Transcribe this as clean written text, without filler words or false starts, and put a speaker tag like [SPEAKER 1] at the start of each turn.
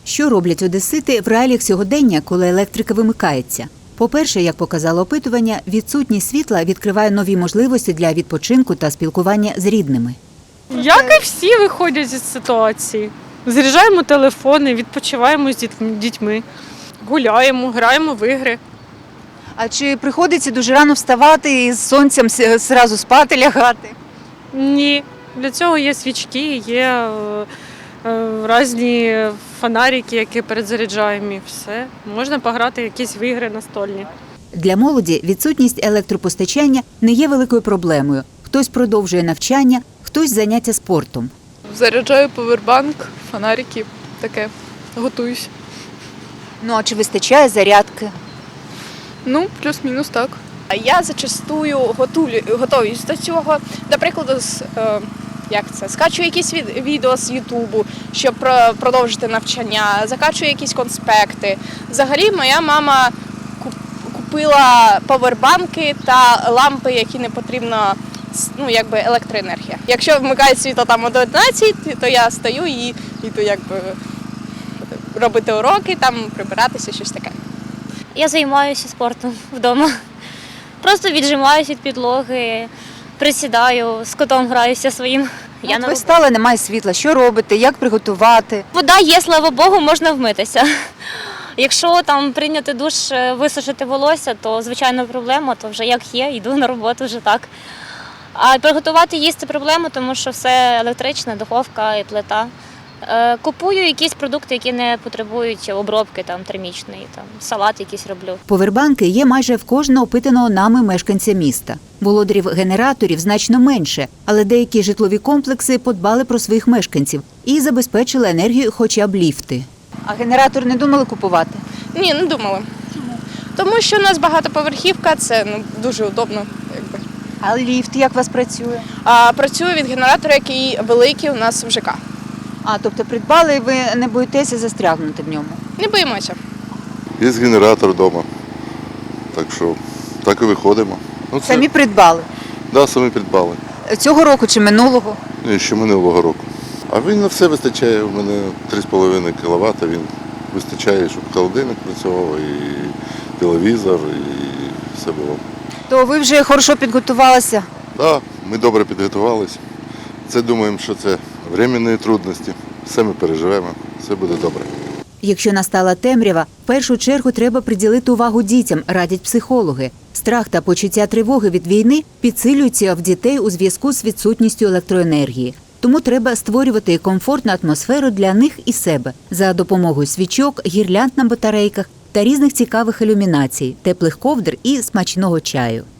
[SPEAKER 1] Що роблять одесити в реаліях сьогодення, коли електрика вимикається? По-перше, як показало опитування, відсутність світла відкриває нові можливості для відпочинку та спілкування з рідними.
[SPEAKER 2] Як і всі виходять зі ситуації. Заряджаємо телефони, відпочиваємо з дітьми, гуляємо, граємо в ігри.
[SPEAKER 3] А чи приходиться дуже рано вставати і з сонцем зразу спати, лягати?
[SPEAKER 2] Ні, для цього є свічки, є різні фонарики, які перезаряджаємо і все. Можна пограти в якісь в ігри настольні.
[SPEAKER 1] Для молоді відсутність електропостачання не є великою проблемою. Хтось продовжує навчання, хтось заняття спортом.
[SPEAKER 4] Заряджаю повербанк, фонарики, таке. Готуюсь.
[SPEAKER 3] Ну, а чи вистачає зарядки?
[SPEAKER 4] Ну, плюс-мінус так.
[SPEAKER 5] Я зачастую готуюсь до цього. До прикладу, скачую якісь відео з Ютубу, щоб продовжити навчання, закачую якісь конспекти. Взагалі, моя мама купила павербанки та лампи, які не потрібно, електроенергія. Якщо вмикають світло там о 11, то я стою і йду робити уроки, там прибиратися, щось таке.
[SPEAKER 6] Я займаюся спортом вдома. Просто віджимаюся від підлоги, присідаю, з котом граюся своїм.
[SPEAKER 3] Ви встали, немає світла. Що робите? Як приготувати?
[SPEAKER 6] Вода є, слава Богу, можна вмитися. Якщо там прийняти душ, висушити волосся, то звичайно проблема, то вже як є, йду на роботу вже так. А приготувати їсти проблема, тому що все електричне, духовка і плита. Купую якісь продукти, які не потребують обробки термічної, салат якийсь роблю.
[SPEAKER 1] Повербанки є майже в кожного опитаного нами мешканця міста. Володарів генераторів значно менше, але деякі житлові комплекси подбали про своїх мешканців і забезпечили енергію хоча б ліфти.
[SPEAKER 3] А генератор не думали купувати?
[SPEAKER 5] Ні, не думала. Чому? Тому що у нас багатоповерхівка, це дуже удобно.
[SPEAKER 3] А ліфт як у вас працює?
[SPEAKER 5] Працює від генератора, який великий у нас в ЖК.
[SPEAKER 3] Тобто придбали і ви не боїтеся застрягнути в ньому?
[SPEAKER 5] Не боїмося.
[SPEAKER 7] Є генератор вдома, так що так і виходимо.
[SPEAKER 3] Самі придбали?
[SPEAKER 7] Так, самі придбали.
[SPEAKER 3] Цього року чи минулого?
[SPEAKER 7] Ні, ще минулого року. А він на все вистачає, у мене 3,5 кВт, він вистачає, щоб холодильник працював, і телевізор, і все було.
[SPEAKER 3] То ви вже хорошо підготувалися?
[SPEAKER 7] Так, ми добре підготувалися. Це думаємо, що це временні трудності. Все ми переживемо, все буде добре.
[SPEAKER 1] Якщо настала темрява, в першу чергу треба приділити увагу дітям, радять психологи. Страх та почуття тривоги від війни підсилюються в дітей у зв'язку з відсутністю електроенергії. Тому треба створювати комфортну атмосферу для них і себе за допомогою свічок, гірлянд на батарейках та різних цікавих ілюмінацій, теплих ковдр і смачного чаю.